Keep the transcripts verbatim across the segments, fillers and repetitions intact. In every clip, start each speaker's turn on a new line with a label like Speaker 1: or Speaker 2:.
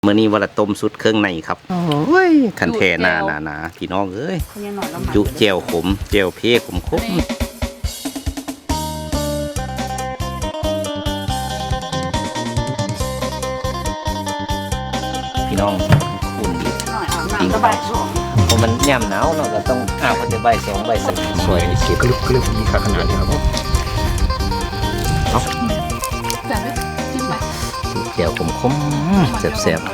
Speaker 1: เมื่อนี้วันละต้มสุดเครื่องในครับโอ้ยคันแทหนาหนาหนาพี่น้องเอ้ยจุเจียวขมเจียวเพขมขมพี่น้องอุ่นดีจริงเพราะมันย่ำหนาวเราก็ต้องอาบแต่ใบสองใบสักสวยเก็บกลึบกลึบมีขนาดนี้ครับเอาเจียวขมขมแซ่บ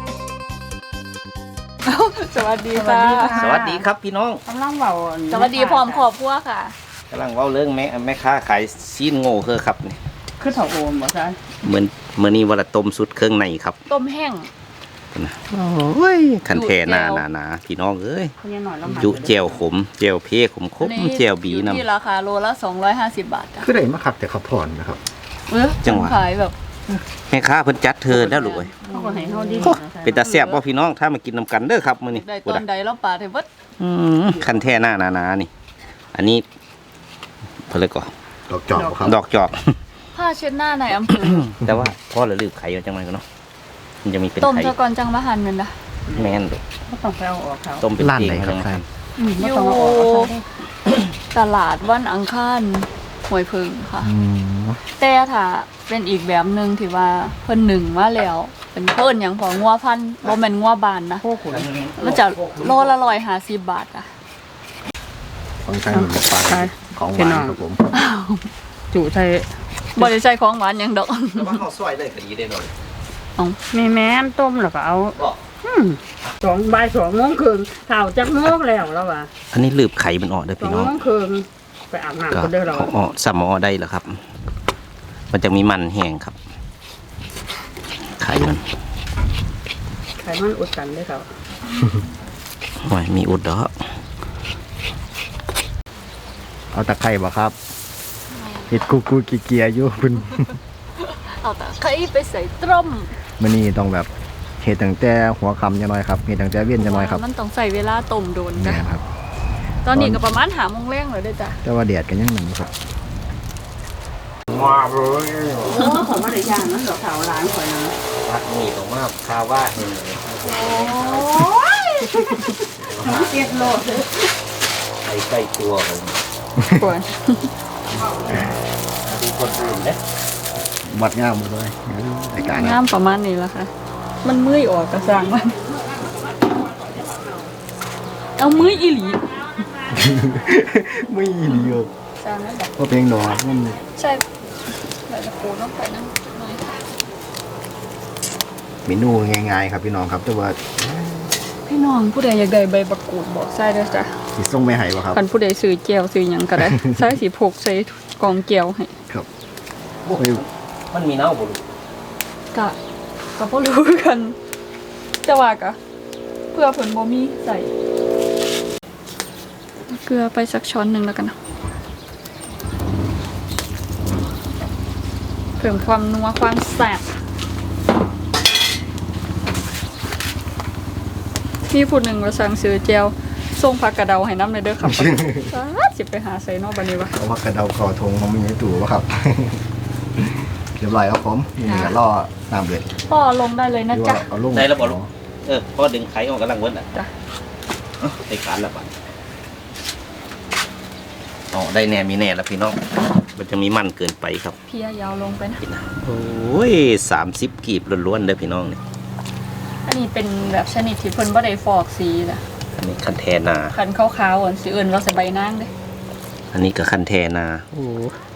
Speaker 2: สวัสดีค่ะ
Speaker 1: สวัสดีครับพี่น้อง
Speaker 2: กำลังเบาสวัสดีพร้อมขอบพัวค่ะ
Speaker 1: กำลังเว้าเรื่องแม่แม่ค้าขายซีนโง่เธอครับนี่
Speaker 2: คือเถาโอมบ่ใช่
Speaker 1: เหมือนเมื่อนี้วันละต้มสุดเครื่องในครับ
Speaker 2: ต้มแห้ง
Speaker 1: นะโอ้ยคันแทหนาหนาหนาพี่น้องเอ้ยจุเจียวขมเจียวเพขมขมเจียวบีน้ำ
Speaker 2: ที่ราคาโลละสองร้อยห้าสิบบาท
Speaker 3: คือได้มาขับแต่ขับผ่อนนะครับ
Speaker 2: เออจังหวะขายแบบ
Speaker 1: แม่ค้าเพิ่นจัดเธอแล้วลูกเอ้ยเป็นตาแซ่บบ่พี่น้องถ้ามากินน้ำกันเด้อครับมื้อนี้
Speaker 2: ได้ตอนใดแล้วปลาเทเบิด
Speaker 1: อืมคันแท้หน้าหนาๆนี่อันนี้เพิ่นเลยก่อ
Speaker 3: ดอกจอกครับ
Speaker 1: ดอกจอก
Speaker 2: ผ้าเช็ดหน้าในอำเภอ
Speaker 1: แต่ว่าพอละลืบไข่จังได๋ก็เนาะมันจะมีเป็นไข่
Speaker 2: ต้มซะก่อนจังมาหั่นแม่นล่ะ
Speaker 1: แม่นลูก
Speaker 2: บ่ต้องไปเอาออกเขา
Speaker 1: ต้มเป็นเอง
Speaker 3: ครับ
Speaker 2: อยู่ตลาดวันอังคารห้วยพึ่งค่ะแต่ถ้าเป็นอีกแบบนึงที่ว่าเพิ่นหนึ่งมาแล้วเป็นเพิ่นหยังพองัวพันธุ์บ่แม่นงัวบานนะมันจะโลละหนึ่งร้อยห้าสิบบาทอ่ะ
Speaker 3: ของใช้เหมือนปลาของหวานครับผม
Speaker 2: จุใช้บ่ได้ใช้ของหวานหยังดอก
Speaker 1: แต่ว่าเฮาซอยได้ก็ดีได้หน่อย
Speaker 2: อ๋อแม่แม่นต้มแล้วก็เอาอืมสองบ่ายสองโมงครึ่งเท่าจักโมงแล้วแล้วว่ะ
Speaker 1: อันนี้ลืบไข่มันออกได้พี่น้อง
Speaker 2: สองโมงครึ่งไปอาบน้ำก็ได้แล้ว
Speaker 1: อ๋อสามอได้แล้วครับมันจะมีมันแห้งครับไข่มัน
Speaker 2: ไข่มันอุดกันได้ครับ
Speaker 1: โอ้ยมีอุดดอก
Speaker 3: เอาตะไคร้บ่ครับเห็ดกูกูกีเกียอยู่คุณ
Speaker 2: เอาตะไคร้ไปใส่ต้ม
Speaker 3: มื้อนี้ต้องแบบเห็ดตั้งแต่หัวค่ำจังหน่อยครับเห็ดตั้งแต่เวียนจังหน่อยครับ
Speaker 2: มันต้องใส่เวลาต้มโดนจ้ะ
Speaker 3: ครับ
Speaker 2: ตอนนี้ก็ประมาณห้าโมงแรงเลยได้จ้ะ
Speaker 3: แต่ว่าแดดกันยังหนึ่งครับ
Speaker 2: ว้าวเลยโอ้ผมว่าได้ย่างนั่นเหรอขาวล้างข่อยนะ
Speaker 1: พักนี่ตรงมากคาว่าเห็นเลย
Speaker 2: โอ้ยน้ำเกล็ดโลดเลย
Speaker 1: ไอ้ใกล้ตัวผม
Speaker 2: ควร
Speaker 1: ดูคนอื่นเนี่ย
Speaker 3: วัดงามหมดเลยรายการ
Speaker 2: งามประมาณนี้แล้วค่ะมันมือออกกระซังมันเอามืออีหลี
Speaker 3: ไม่อีหลีอ่ะ
Speaker 2: จานนั้นแบบ
Speaker 3: ว่าเพลงดอกมัน
Speaker 2: ใช่แบบจะปูน้ำไปนั่ง
Speaker 3: เมนูง่ายๆครับพี่น้องครับแต่ว่า
Speaker 2: พี่น้องผู้ใดอยากได้ใบบักกูดบอกใส่ด้วยจ้ะ
Speaker 3: สีส้มไม่หายป่ะครับ
Speaker 2: คันผู้ใดซื้อเจียวซื้อหยังก็ได้ใส่สีพกใส่กองเจียวให้
Speaker 3: ครับ
Speaker 1: มันมีเน่าบุรุษ
Speaker 2: กะก็บ่รู้กันแต่ว่ากะเพื่อผลบ่มีใส่เกลือไปสักช้อนหนึ่งแล้วกันนะเพิ่มความนัวความแซ่บมีผู้หนึ่งมาสั่งซื้อเจียวส่งผักกระเดาให้น้ำในเด้อครับสิไปหาใส่นอกบันนี้วะ
Speaker 3: เอาผักกระเดาคอทงมันมีในตู้วะครับเรียบร้อยครับผมนี่ก็รอน้ำเดือด
Speaker 2: พ่อลงได้เลยนะจ๊ะ
Speaker 1: ได้แล้วบอกลูกเออพ่อดึงไข่ออกกำลังเวิร์ดอ่ะจ้ะไอ้การละบัดอ๋อได้แน่มีแน่แล้วพี่น้องมันจะมีมันเกินไปครับ
Speaker 2: เพียยาวลงไปนะ
Speaker 1: โอ้ยสามสิบกีบล้วนๆเลยพี่น้องนี่
Speaker 2: อันนี้เป็นแบบชนิดที่เพิ่นบ่ได้ฟอกสีนะ
Speaker 1: อันนี้คันแทนา
Speaker 2: คันขาวๆอ่ะสีอื่นเราใส่ใบนางเด้
Speaker 1: อันนี้ก็คันแทนาโอ้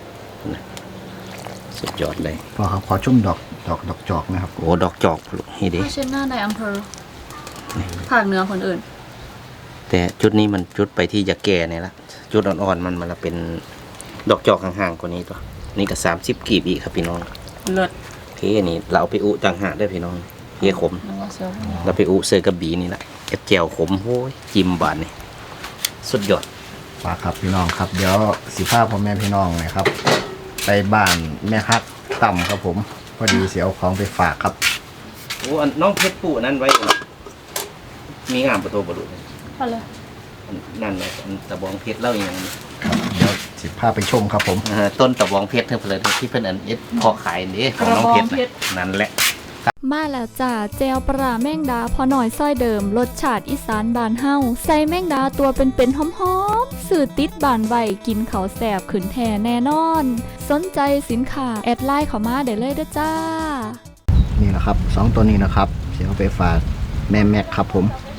Speaker 1: สุดยอดเลย
Speaker 3: พอครับขอชุ่มดอกดอกดอกจอกนะครับ
Speaker 1: โอ้ดอกจอกนี่ดิ
Speaker 2: เช่นหน้าในอำเภอภาคเหนือคนอื่น
Speaker 1: แต่จุดนี้มันจุดไปที่ยาแก่เนี่ยละจุดอ่อนๆมันมันเป็นดอกจอกห่างๆกว่านี้ตัวนี่ก็สามสิบกีบอีกครับพี่น้อง
Speaker 2: เลิศ
Speaker 1: เฮ้นี่เราไปอุจังหาได้พี่น้องเฮียขมเราไปอุเซอร์กระบี่นี่แหละเอฟเจลขมโอ้ยจิ้มบานนี่สุดยอด
Speaker 3: ฝากครับพี่น้องครับเดี๋ยวสิภาพพ่อแม่พี่น้องนะครับไปบ้านแม่ฮักต่ำครับผมพอดีเสียเอาของไปฝากครับ
Speaker 1: โอ้น้องเพชรปู่นั่นไว้มีงามประตูประดุ
Speaker 2: พอเลย
Speaker 1: นั่นแหละตะบองเพชรเล่าอย่างนี้
Speaker 3: เดี๋ยวสิภาพไปชมครับผม
Speaker 1: ต้นตะบองเพชรเท่าเลยที่เพิ่นอันเอ็ดพอขายนี่ของน้องเพชรนั่นแหละ
Speaker 2: มาแล้วจ้าแจวปลาแมงดาพอหน่อยซ้อยเดิมรสชาติอีสานบานเฮาใส่แมงดาตัวเป็นๆหอมๆสื่อติดบานไวกินเขาวแสบขืนแทแน่นอน สนใจสินค้าแอดไลน์เข้ามาได้เลยเด้อจ้า
Speaker 3: นี่นะครับสองตัวนี้นะครับเสียเอาไปฝากแม่แม็กครับผม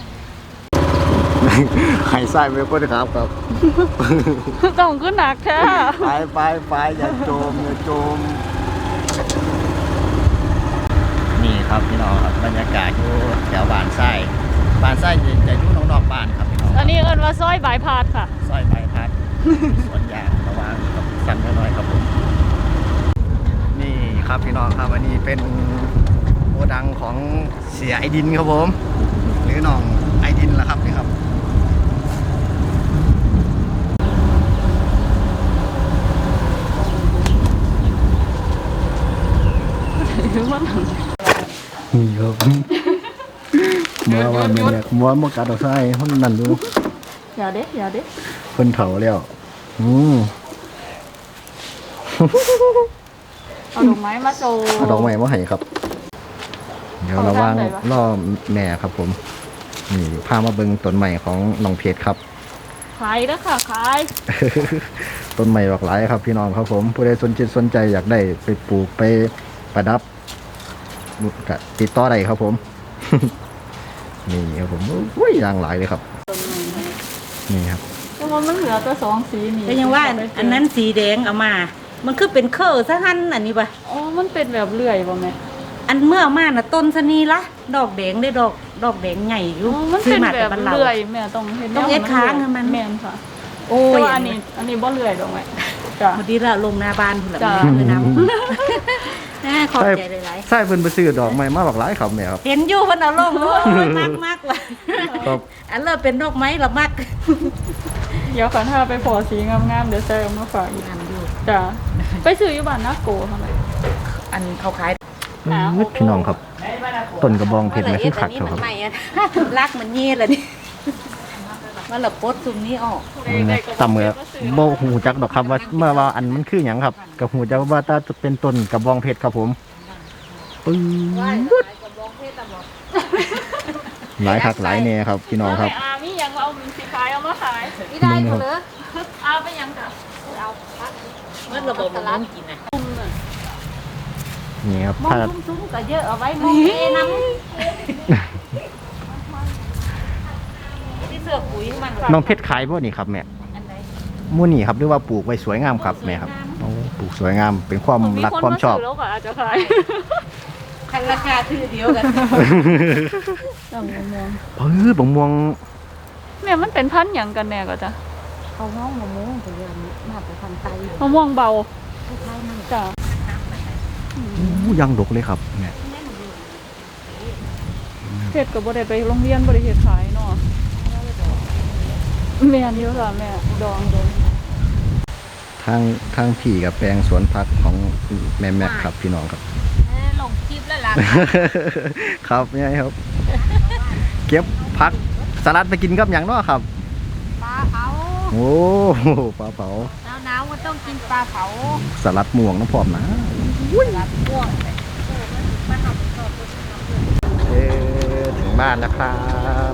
Speaker 3: ไข่ไส้ไม่พ้นครับครับ
Speaker 2: ต้องขึ้นหนักแท้
Speaker 3: ไปไปไปอย่าโจมอย่าโจมนี่ครับพี่น้องครับบรรยากาศอยู่แถวบ้านไส้บ้านไส้จะอยู่นอกๆบ้านครับพี่น้อง
Speaker 2: อันนี้เอิ้นว่าซอยบายพาสค่ะ
Speaker 3: ซอยใบพัด สวนยางระหว่างกับสั่นน้อยๆครับผมนี่ครับพี่น้องครับอันนี้เป็นโกดังของเสียไอดินครับผมหรือน้องไอดินล่ะครับนี่ครับ นี่ครับมัวว่ามันเนี่ยมัวมัวกัดเอาไส้ห้องนั่นดู
Speaker 2: อย่าเด้อย่าเด้
Speaker 3: เพิ่นเถาแล้วอืม
Speaker 2: เอาดอกไม้มาโชว์
Speaker 3: เอาดอกไม้มาให้ครับ เดี๋ยวระวังล่อแม่ครับผมนี่พามาเบิ่งต้นใหม่ของน้องเพชรครับ
Speaker 2: ขายแล้วค่ะขาย
Speaker 3: ต้นใหม่หลากหลายครับพี่น้องครับผมผู้ใดสนใจสนใจอยากได้ไปปลูกไปประดับก็ติดต่อได้ครับผม นี่ครับผมอุ้ยอย่างหลายเลยครับ นี่ครับ
Speaker 2: แต่ว่ามันเหลือแต่สองสีนี่
Speaker 4: ก็ยังว่าอันอันนั้นสีแดงเอามา มันคือเป็นเคอร์ซะหันอันนี้ป่ะ
Speaker 2: อ๋อมันเป็นแบบเลื่อยบ่แม่
Speaker 4: อันเมื่อเอามาน่ะต้นสนีละดอกแดงได้ดอกดอกแดงใหญ่อยู่
Speaker 2: อ๋อมัน
Speaker 4: ซื้
Speaker 2: เป็
Speaker 4: อน มา
Speaker 2: แบ
Speaker 4: แต่
Speaker 2: บ
Speaker 4: บ้านเรา
Speaker 2: เลื่อยแม่ต้องเห็น
Speaker 4: ต้องเอ็ดค้างให้มัน
Speaker 2: แม่นค่ะ
Speaker 4: โอ้
Speaker 2: แต่
Speaker 4: ย
Speaker 2: ว่าอันนี้อันนี้บ่เลื่อยดอกแม่จ้ะ
Speaker 4: พอดีละลงหน้าบ้านพุ่นละ
Speaker 2: จ้ะ
Speaker 4: มันเลยน้ำ น่าขอบใจหลาย
Speaker 3: ใช่เพิ่นไปซื้อดอกไม้มาหลากหลายครับแม่ครับ
Speaker 4: ๆเห็นอยู่เพิ่นเอาลงด้วยมากมากว่ะ
Speaker 3: ครับ
Speaker 4: อันเลิศเป็นดอกไม้ละมัก
Speaker 2: เดี๋ยวขันถ้าไปพอสีงามๆเดี๋ยวใส่เอามาฝากอีก
Speaker 4: งามอยู่
Speaker 2: จ้ะไปซื้ออยู่บ้านนาโกทำไม
Speaker 4: อันเขาขาย
Speaker 2: อ้าว
Speaker 3: อื้อพี่น้องครับ ต้นกระบองเพชรไม่ขึ้นขัด
Speaker 4: นี่
Speaker 3: เขาค
Speaker 4: มั
Speaker 3: รับ
Speaker 4: นใหม่อะ รักมันเงี้ยเลยนี่มันละปดซุมนี้ออก
Speaker 3: ตำเมือบ่หูจักดอกครับว่าเมื่อว่าอันมันคือหยังครับกับหูจักว่าถ้าจะเป็นต้นกระบองเพชรครับผมปึ้งหลายคักหลายแน่ครับพี่น้องครับ
Speaker 2: อามียังเอามีสีขายเอามาขาย
Speaker 4: ไม่ได้เขาเลย
Speaker 2: เอาไปยังจ้ะ
Speaker 4: มันระบบมันน้ำกินนะ
Speaker 3: นี่ครับ
Speaker 4: มอง
Speaker 3: ถ้า
Speaker 4: ซุ้มๆก็เยอะเอาไว้มองเอน้ำที่เสือปุ๋ยมัน
Speaker 3: น้องเพชรขายพวกนี้ครับแม่
Speaker 4: อันไหน
Speaker 3: มู่นี่ครับหรือว่าปลูกไว้สวยงามครับแม่ครับโอ้ปลูกสวยงามเป็นความรักความชอบ
Speaker 2: แล้วก็อาจจะขาย
Speaker 4: คันราคาคือเดียวกัน
Speaker 2: จังมวง
Speaker 3: เออบังม่วง
Speaker 2: แม่มันเป็นพันธุ์หยังกันแน่ก็จ้ะ
Speaker 4: เขาน้องมะม่วงเป็นเรื่องนี้มาแต่ทางไต
Speaker 2: มะม่วงเบา
Speaker 4: คล้ายๆมัน
Speaker 2: จ้ะ
Speaker 3: อู้ยังดกเลยครับแม่
Speaker 2: เฮ็ดก็บ่ได้ไปโรงเรียนบ่ได้เฮ็ดขายเนาะแม่นอยู่ค่ะแม่ดองดอง
Speaker 3: ทางทางพี่กับแปลงสวนผักของแม่แม็กครับพี่น้องครับ
Speaker 4: ลงคลิปแล้วล่ะ
Speaker 3: ครับนี่ครับ เก็บผักสลัดไปกินกับอย่างเนาะครับ
Speaker 4: ปลาเผา
Speaker 3: โอ้ปลาเผา
Speaker 4: หนาวๆก็ต้องกินปลาเผา
Speaker 3: สลัดม่วงน้ำพร้อมนะ
Speaker 4: รับม่วง
Speaker 3: เออถึงบ้านแล้วครับ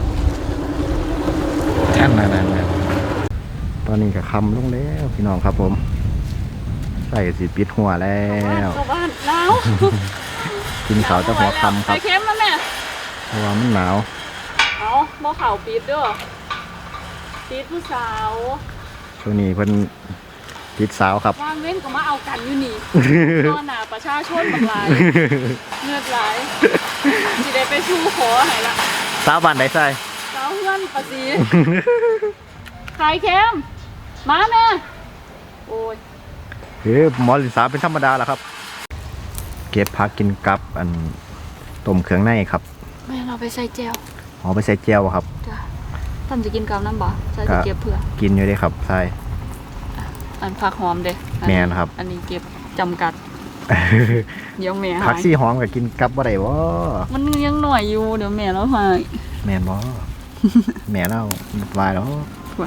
Speaker 3: แท่นนานๆตอนนี้ก็คำลงแล้วพี่น้องครับผมใส่สีปิดหัวแล้ว
Speaker 2: เข้าบ้านหนาว
Speaker 3: กินเขาวจะหัวคำค
Speaker 2: ใส่
Speaker 3: รับ
Speaker 2: เค็มแล้วแม่
Speaker 3: เพราะว่ามันหนาว
Speaker 2: เอาบ่เข่าปิดเด้อปิดผู้สาว
Speaker 3: ช่วงนี้เพิ่นติดสาวครับ
Speaker 2: ว่างเว้นก็มาเอากันอยู่นี่ นอนหนาประชาชนบางหลายเงือดไหลายสิได้ไปชูขอให้ละ
Speaker 3: สาวบ้านไหนใส่
Speaker 2: สาวเพื่อนปะสีขายเค็มมาแม่โอ้ย
Speaker 3: เฮ้ยหมอลิสาเป็นธรรมดาแหละครับ เก็บผักกินกับอันต้มเครื่องในครับ
Speaker 2: แม่เราไปใส่แจว
Speaker 3: เอาไปใส่เจียวครับ
Speaker 2: จ้ะท่านจะกินกับน้ำบ่ใส่จะเก็บเพื่อ
Speaker 3: กินอยู่ได้ครับใช่
Speaker 2: อันผักหอมเด้อั
Speaker 3: แม่นครับ
Speaker 2: อันนี้เก็บจำกัดเดี๋ยวแม่หา
Speaker 3: ผัก
Speaker 2: ย
Speaker 3: ซี่หอมกับกินกับบ่ได้บ่
Speaker 2: มันยังหน่อยอยู่เดี๋ยวแม่เราหาย
Speaker 3: แม่นบ่ แม่เล่าวายแล้ว
Speaker 2: ว่ะ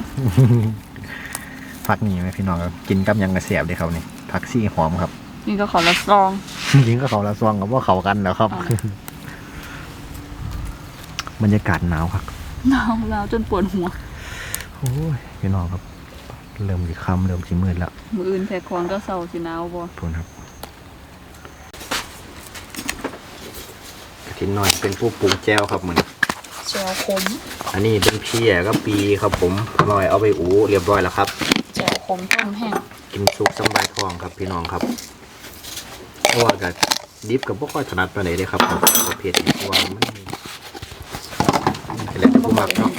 Speaker 3: ผักนี่ไหมพี่น้องครับกินกับหยังกระเสียบเลยครับนี่ผักซี่หอมครับ
Speaker 2: นี่ก็ขอละซอง
Speaker 3: ยิงก็เขาละซองกับว่าเขากันแล้วครับ บรรยากาศหนาวครับ
Speaker 2: หนาวหนาวจนปวดหัว
Speaker 3: โอ้ยพี่น้องครับ เริ่มสีค่ำเริ่มสีมืดแล้ว
Speaker 2: มืออื่นแทควงก็เศร้าสิหนาวบ่
Speaker 3: ทนครับกระถินหน่อยเป็นผู้ปรุงแจ่วครับเหมือน
Speaker 2: เจียวขม
Speaker 3: อันนี้เป็นเพียก็ปีครับผมลอยเอาไปอูเรียบร้อยแล้วครับ
Speaker 2: เจียวขมต้มแห้ง
Speaker 3: กินซุปสำบายทองครับพี่น้องครับเพราะว่ากับดิฟกับพวกค่อยถนัดไปไหนเลยครับประเภทนี้เพราะว่ามันเป็นแล้วแต่ผู้มักเนาะ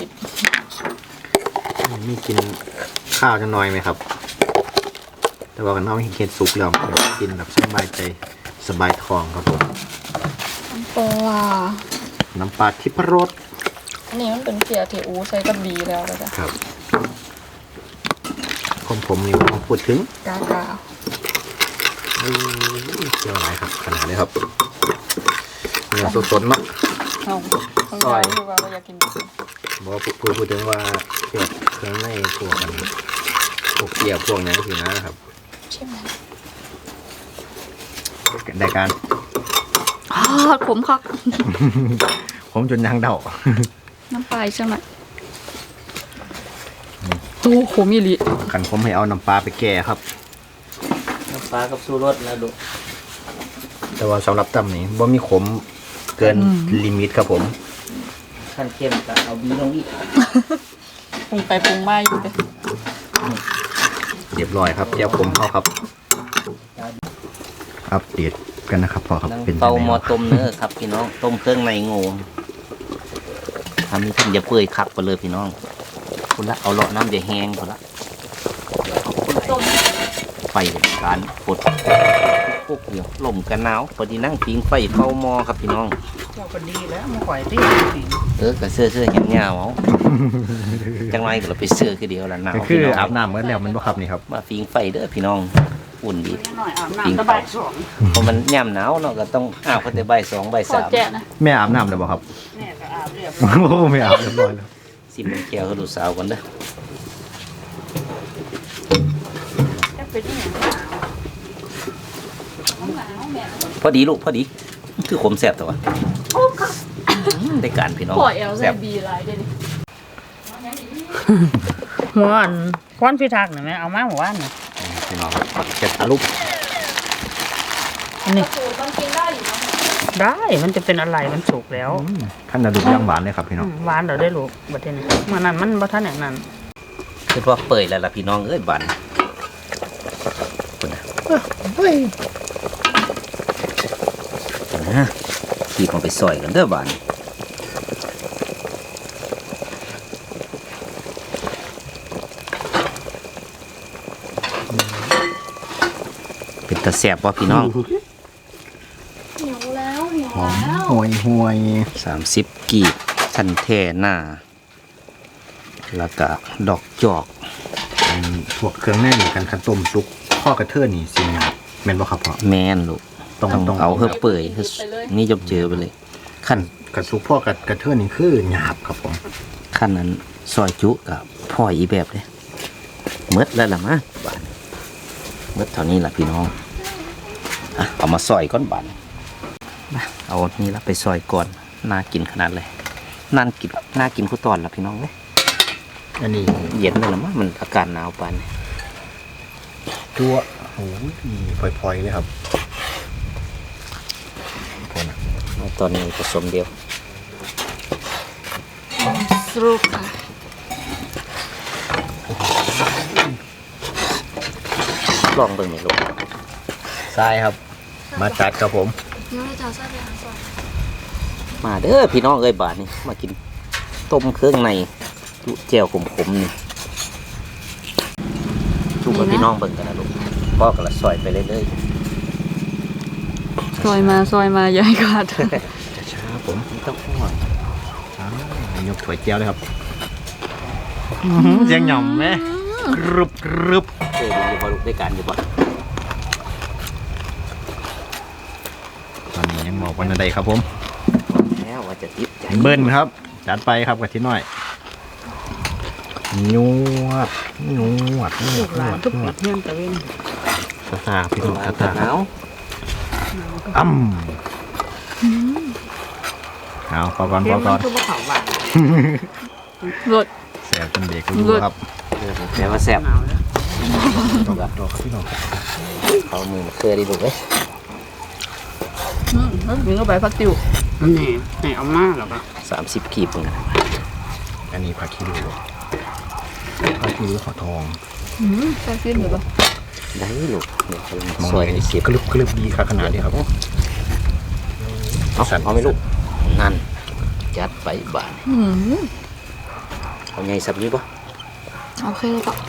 Speaker 3: มีกินข้าวจะน้อยไหมครับ แต่ว่ากันน้องเห็นซุปแล้วกินแบบสบายใจสบายทองครับผม
Speaker 2: ปลา
Speaker 3: น้ำปลาทิพรส
Speaker 2: อันนี้มันเป็นเกี๊ยวที่อูใส่กับบีแล้วเลยจ้ะ
Speaker 3: ครับผมผมนี่ผมพูดถึง
Speaker 2: กากา
Speaker 3: อู้ยเจียวหลายครับขนาดนี้ครับเนื้อสดๆเนาะ
Speaker 2: เอาต้อง
Speaker 3: ซอย
Speaker 2: ยคือว่าเราอยากกิน
Speaker 3: บอกว่าพูดพูดถึงว่าเกี่ยวกับเครื่องในพวกกันพวกเกี๊ยวพวกนี้สินะครับ
Speaker 2: ใช่ไหม
Speaker 3: ได้การ
Speaker 2: อ้าขมคัก
Speaker 3: ผมจนยางเดา
Speaker 2: น้ำปลาใช่ไหมโอ้ขมอีหลี
Speaker 3: ขันผมให้เอาน้ำปลาไปแก่ครับ
Speaker 1: น้ำปลากับสู้รสนะดู
Speaker 3: แต่ว่าสำหรับตำนี้บ่มีขมเกินลิมิตครับผม
Speaker 1: ขั้นเข้มก็เอาบีลงอีก
Speaker 2: ปรุงไปปรุงมาอยู่เลย
Speaker 3: เรียบร้อยครับเจียวผมเข้าครับอัปเดตกันนะครับพอครับ
Speaker 1: นั่ง
Speaker 3: เป็น
Speaker 1: เตา
Speaker 3: ยัง
Speaker 1: หมอ
Speaker 3: ไง
Speaker 1: ต้มเนื้อครับพี่น้องต้มเครื่องในงูทำให้ท่านอย่าเปื่อยคักไปเลยพี่น้องคุณละเอาเลาะน้ำจะแห้งคุณละ
Speaker 2: ต้ม
Speaker 1: ไฟเป็นการปดปุ๊บเดียวลมกันหนาวพอดีนั่งพิงไฟเข้าหม้อครับพี่น้อง
Speaker 4: เจ้าก็ดีแล้วมาข่อยที่
Speaker 1: เออกระเสื้อเสื้อเห็นเงาเอาจังไรก็เราไปเสื้อคือเดียวละหนาว
Speaker 3: ก็คือ
Speaker 1: พี่น้ง
Speaker 3: อาบน้ำเมื่อแล้วมันบ่ครับนี่ครับ
Speaker 1: มาพิงไฟเด้อพี่น้องอุ่นดี
Speaker 4: หน่อยอาบน้ำสบายสอง
Speaker 1: เพราะมันย่ำหนาวเนาะก็ต้องอ้าวก็แต่ใบายสองใบาย
Speaker 2: ขอ
Speaker 1: สาม
Speaker 2: แจะนะ
Speaker 3: แม่อาบน้ำเลยบ่ครับ
Speaker 4: แม่ก็อาบเรียบ
Speaker 3: โอ้ไม่อาบเรียบร้อยแล้ว
Speaker 1: สิมันแก้วให้ลูกสาวกันเด้อ
Speaker 4: จะเป็นอย่างหนาว
Speaker 1: พอดีลูกพอดีคือขมแสบแต่ว่าได้การพี่น้อง
Speaker 2: ปล่อยเอล
Speaker 1: แส
Speaker 2: ใส่
Speaker 1: บ
Speaker 2: บีไรเดี๋ยวนี้
Speaker 4: หัวอันควันพิทักษ์หน่อยไหมเอามาหัวอันน่ะ
Speaker 3: พี่น้องครับเช็ดอารุป
Speaker 4: อันนี้
Speaker 2: สูตรมันกินได้อยู่เนาะ
Speaker 4: ได้มันจะเป็นอะไรมันสุกแล้ว
Speaker 3: ขั้นอารุปย่างหวานเลยครับพี่น้อง
Speaker 4: อืมหวานเราได้ลูกบัดนี้เมื่อนั้นมันบ่ทันอย่างนั้น
Speaker 1: คือว่าเปิดแล้วล่ะพี่น้องเอ้ยบันคุณนะนะขี่ของไปซอยกันเด้อบันเป็นตะแสบว่าพี่น้อง
Speaker 2: หิวแล้วหิว
Speaker 3: หอม
Speaker 2: แล้ว
Speaker 3: ห่วยห่วย
Speaker 1: สามสิบกีบทันแท่หน้า แล้วก็ดอกจอก
Speaker 3: เป็นพวกเครื่องแน่นกันขันต้มซุปข้อกระเทือนนี่สิครับแม่นบ่ครับพ่อ
Speaker 1: แม่นลูก
Speaker 3: ต้อง
Speaker 1: ต้อง
Speaker 3: ต้อง
Speaker 1: เอาเพื่อเปื่อยเพื่อนี่จบเจอไปเลยขั้น
Speaker 3: กระซุปพ่อกระกระเทือนนี่คือหยาบครับผม
Speaker 1: ขั้นนั้นซอยจุกับพ่ออีแบบเลยเมดแล้วล่ะมะบานเมดเท่านี้ล่ะพี่น้องอ่ะเอามาซอยก้อนบานมาเอานี่ละไปซอยก่อนน่ากินขนาดเลยน่ากินน่ากินคู่ตอนละพี่น้องเลย
Speaker 3: อันนี้
Speaker 1: เย็นเลยละมั้งมันอากาศหนาวปานนี้
Speaker 3: จั่วโอ้ยพลอยๆเลยครับโทษนะ
Speaker 1: เอาตอนนี้ผสมเดียว
Speaker 2: สรุปค่ะ
Speaker 1: ลองเบิ่งหน่อยลูก
Speaker 3: ทรายครับ มาจัดครับผม
Speaker 2: เดี๋ยวเราจะใส่ไปหาซอย
Speaker 1: มาเด้อพี่น้องเอ้ยบาทนี่มากินต้มเครื่องในจุแจ่วขมๆนี่ทุกคนพี่น้องเบิ่งกันนะลูกพ่อกระซอยไปเรื่อย
Speaker 2: ซอยมาซอยมาอย่าให้ขาด
Speaker 3: ช้าๆผมไม่ต้องห่วงอ่ายกถ้วยเจียวเลยครับเสียงหย่อมไหมกรึบกรึบ
Speaker 1: ๆเอ้ยดูอยู่บ่ลูกได้การอยู่บ่
Speaker 3: ตอนนี้ยังบอกวันใดครับผม
Speaker 1: แล้วว่าจะติดใจ
Speaker 3: เบิ้ลครับ จัดไปครับกับที่น้อยนวดนวดนว
Speaker 4: ลู
Speaker 3: ด
Speaker 4: ก
Speaker 3: น
Speaker 4: หลา
Speaker 3: วน ด
Speaker 4: ทุก
Speaker 3: น
Speaker 4: ปี
Speaker 3: วด
Speaker 4: เที่ยงตะเวน
Speaker 3: ตาตาพี่น้องตา
Speaker 1: ห
Speaker 3: ตา
Speaker 1: นาว
Speaker 3: อ้ำเอาพอก่อนพอก่อน
Speaker 4: คือว่าเขาหวาน
Speaker 2: รส
Speaker 3: แสบเป็นเด็กก็ดูครับ
Speaker 1: แต่ว่าแซ่บ
Speaker 4: หนาวแล้ว
Speaker 3: ดอกดอกครับพี่น้อง
Speaker 1: เขามือมาเคยได้ดูเลย
Speaker 2: อืมแล้วมีก็ใบผักติ๋ว
Speaker 4: อันนี้ให้เอามากหรอปะ
Speaker 1: สามสิบกีบเหมือนกัน
Speaker 3: อันนี้ผักขี้ริ้วผักขี้ริ้วขอทอง
Speaker 2: อืมใส่ซิมหรือเปล่า
Speaker 1: ได้ลูกเดี๋ยวเขา
Speaker 3: มอง
Speaker 1: ซอย
Speaker 3: เลย
Speaker 1: ให้เก็บ
Speaker 3: กรึบกรึบดีครับขนาดนี้ครับ
Speaker 1: เอาเอาไหม่ลูกนั่นจัดไปบาน
Speaker 2: อืม
Speaker 1: เอาไงสับนี้ปะ
Speaker 2: โอเคเลยปะ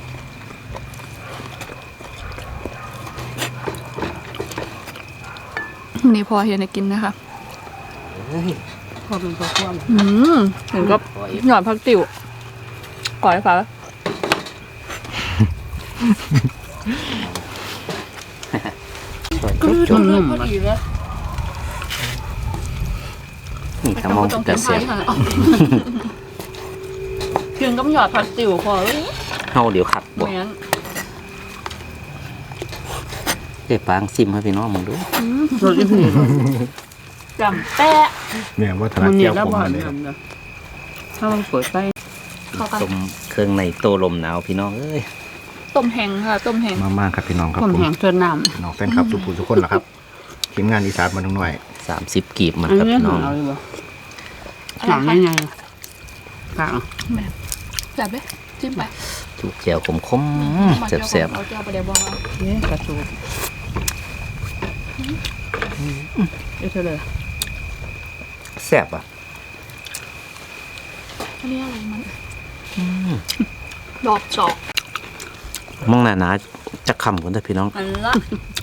Speaker 2: นี่พอเฮียนให้กินนะคะ
Speaker 1: เฮ้ย
Speaker 4: พอเป็นพอคว่ำ
Speaker 2: อืมถึงก็หยอดผักติ๋วก่อยค่ะ
Speaker 1: ซอย
Speaker 2: ก็
Speaker 1: จุ๊บ
Speaker 2: ทำ
Speaker 1: จุ๊บ
Speaker 2: เลยพอดีเลย
Speaker 1: นี่ถ้ามองจะเสียบ
Speaker 2: กินกับหยอดผักติ๋วพอเลย
Speaker 1: เฮาเดี๋ยวขัดบอก
Speaker 2: แม่น
Speaker 1: เดี๋ยวปางซิมให้พี่น้องมึงดู
Speaker 4: รสอีพี
Speaker 2: จำแปะ
Speaker 3: เนี่ยว่าถนั
Speaker 4: มั
Speaker 3: ด
Speaker 4: นเนี่
Speaker 3: เจี
Speaker 4: ย
Speaker 3: ยว
Speaker 4: แล้ว
Speaker 3: ผม
Speaker 4: บ่อ
Speaker 3: มาน เลยครับ
Speaker 4: น้ำนะถ้ามันเปิดไป
Speaker 2: เข้ากัน
Speaker 1: ต้มเครื่องในโตลมหนาวพี่น้องเอ้ย
Speaker 2: ต้มแห้งค่ะ ต้มแห้ง
Speaker 3: มากๆครับพี่น้องครับ
Speaker 4: ผม
Speaker 3: ผม
Speaker 4: แห้งเทินน้
Speaker 3: น้องแฟนคลับทุกผู้ทุกคนแหละครับทีมงานอีสานมาทั้งหน่อย
Speaker 1: สามสิบกีบ
Speaker 4: ำ
Speaker 1: มัน
Speaker 4: อัน
Speaker 1: ครับ
Speaker 4: นี้
Speaker 1: พี่
Speaker 4: ห
Speaker 1: น้อง
Speaker 4: นาวเลยบ่หนาวยังไงกะ
Speaker 2: แม่แบบเลยจิ้มไป
Speaker 1: จุกแจ่วขมๆแซ่บ
Speaker 2: เอาแก้วไปเดี๋ยวบอกเอา
Speaker 4: เนี่ยกระสูบเอ๊ะเธอเลย
Speaker 1: ๆแซ่บอ่ะ
Speaker 2: อันนี้อะไรมันดอกจอก
Speaker 1: มองหน้าหนาจะคำกันแต่พี่น้อง
Speaker 2: อันละ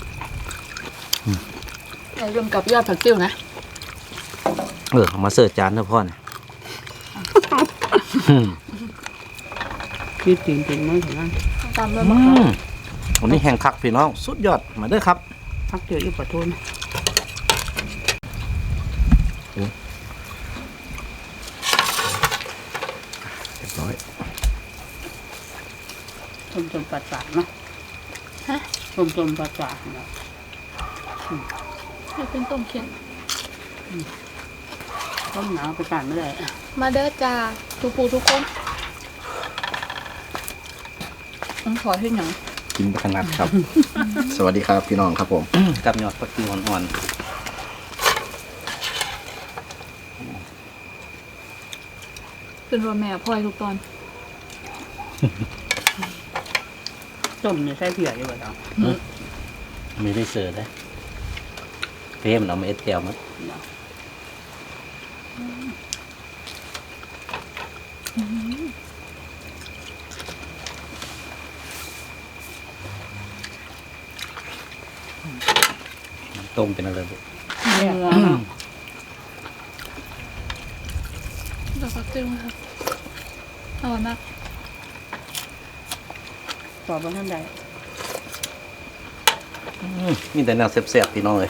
Speaker 2: อย่าลืมกับยอดผักติ้วนะ
Speaker 1: เออเอามาเสิร์ฟจานเถอะพ่อนะ
Speaker 4: คิดจริงจริงๆมั้งถึงนั้น
Speaker 2: ตามด้วย
Speaker 1: อื
Speaker 2: มะขาม
Speaker 1: มวันนี้แห้งคักพี่น้อง สุดยอดมาเด้อครับ
Speaker 4: พักเดียวอีกปะทุน
Speaker 3: เรียบร้อย
Speaker 4: ชมชมปัดปากเนาะ
Speaker 2: ฮะ
Speaker 4: ชมชมปัดปากเนาะ
Speaker 2: ให้เป็นต้มเค็ม
Speaker 4: ต้มหนาวไปกันไม่ได้
Speaker 2: มาเด้อจ้าทุกปูทุกคนต้องขอให้หนัง
Speaker 3: กินไปขนาดครับ สวัสดีครับพี่น้องครับผม
Speaker 1: กับยอดผักชีอ่อน
Speaker 2: เป็นรัวแม่พ่อยทุกตอน
Speaker 4: ต้มเนี่ยใส่เผือกอยู่บ่เนาะ
Speaker 1: ๆมีได้เสิร์ฟได้เพิ่มเอามาเอ็ดแก้วมั้งต้มเป็นอะไรบุ
Speaker 4: เนี่ย
Speaker 2: ดอกผักติ้วครับอร่อยมาก
Speaker 4: ตอบว่าท่านใด
Speaker 1: มีแต่แนวแซ่บๆพี่น้องเลย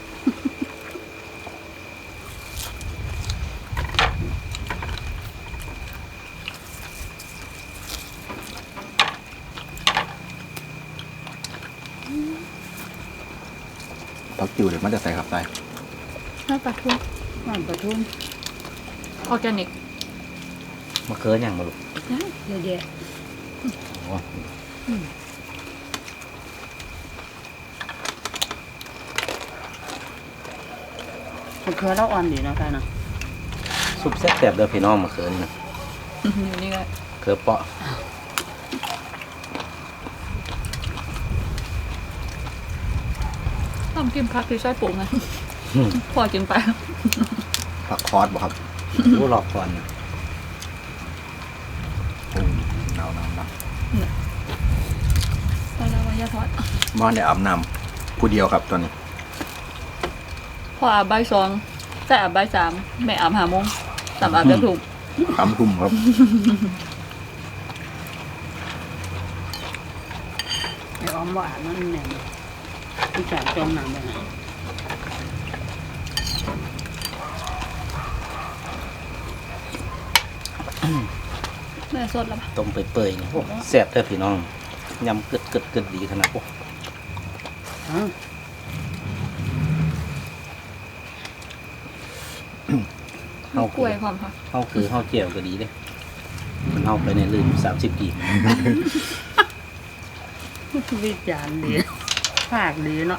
Speaker 3: ผักจิ๋วเดี๋ยวมันจะใส่ครับใส่
Speaker 2: น้าปลาทู
Speaker 4: บ้านปะทุน
Speaker 2: ออร์แกนิก
Speaker 1: มะเขืออย่างมาลูก
Speaker 4: เยอะแยะ
Speaker 1: โอ้
Speaker 4: มะเขือเราอ่อนดีนะท่านนะ
Speaker 1: ซุปแซ่บๆเด้อพี่น้องมะเขือนี่นะ
Speaker 2: อยู่นี่ก็
Speaker 1: เขือเปาะ
Speaker 2: ต้องกินผักที่ใช้ปลูกนะพอกินไป
Speaker 3: ผักคอสบ่ครับ
Speaker 1: รู้หลอกก่อนนะ
Speaker 3: โอ้หนาวหนาวหนาว
Speaker 2: ตอนแล้ววันยาทอด
Speaker 3: บ้านได้อาบน้ำผู้เดียวครับตอนนี้
Speaker 2: พออาบใบายสองแต่อาบใบายสามแม่อาบหาโมงสามอาบจะถูก
Speaker 3: สามทุ่มครับ
Speaker 4: ไอ้อ้อมหวานนั่นแหละที่จากจมน้ำไปไหน
Speaker 2: แม่สดแล้วปะ
Speaker 1: ต้มเปื่อยๆนี่โอ้แซ่บเด้อพี่น้องยำกึดกึดกึดดีขนาดโอ้
Speaker 4: อ้าว
Speaker 1: เฮา
Speaker 2: กล้วยพร้อมค่ะ
Speaker 1: เฮาคือเฮาเจียวก็ดีเด้มันเฮาไปในลืมสามสิบกีบ
Speaker 4: วิจารณ์ดีภาคดีเนาะ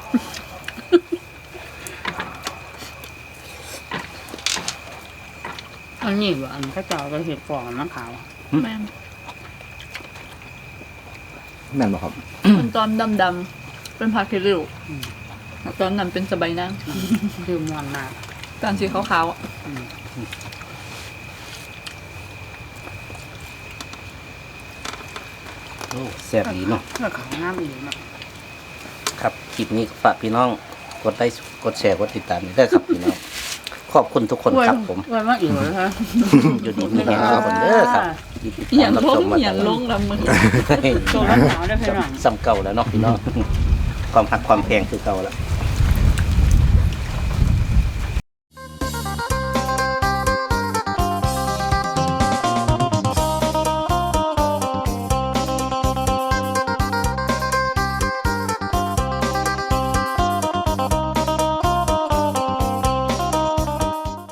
Speaker 4: อันนี้ว่าอันพระเจ้าก็เห็ดฟองมะขาว
Speaker 2: แม่น
Speaker 3: แม่นบ่ครับ
Speaker 2: มันตอนดำๆเป็นผักขี้ริ้วตอนนั้นเป็นสบายนาง
Speaker 4: ดื่มมวนมาก
Speaker 2: ตอนสีขาวๆอ่ะ
Speaker 1: โอ้แซ่บดีเนาะ
Speaker 4: เพื่อขาวงามอีกเนาะ
Speaker 1: ครับคลิปนี้ก็ฝากพี่น้องกดไลค์กดแชร์กดติดตามด้วยครับพี่น้องขอบคุณทุกคนครับผม
Speaker 4: ไว้มากอีกเลยฮะ
Speaker 1: อยู่ดีมีแรงทุกคนเด้อครับที่ติด
Speaker 2: อ
Speaker 1: ตา
Speaker 2: ย่าม ง
Speaker 1: รับ
Speaker 2: ล
Speaker 1: ช
Speaker 2: ง
Speaker 1: มมา
Speaker 2: อย่างลงลำมือ
Speaker 4: ตัวรักษาได้เพียงหลัง
Speaker 1: ซ้ำเก่าแล้วเนาะพี่น้องความหักความแพงคือเก่าแล้ว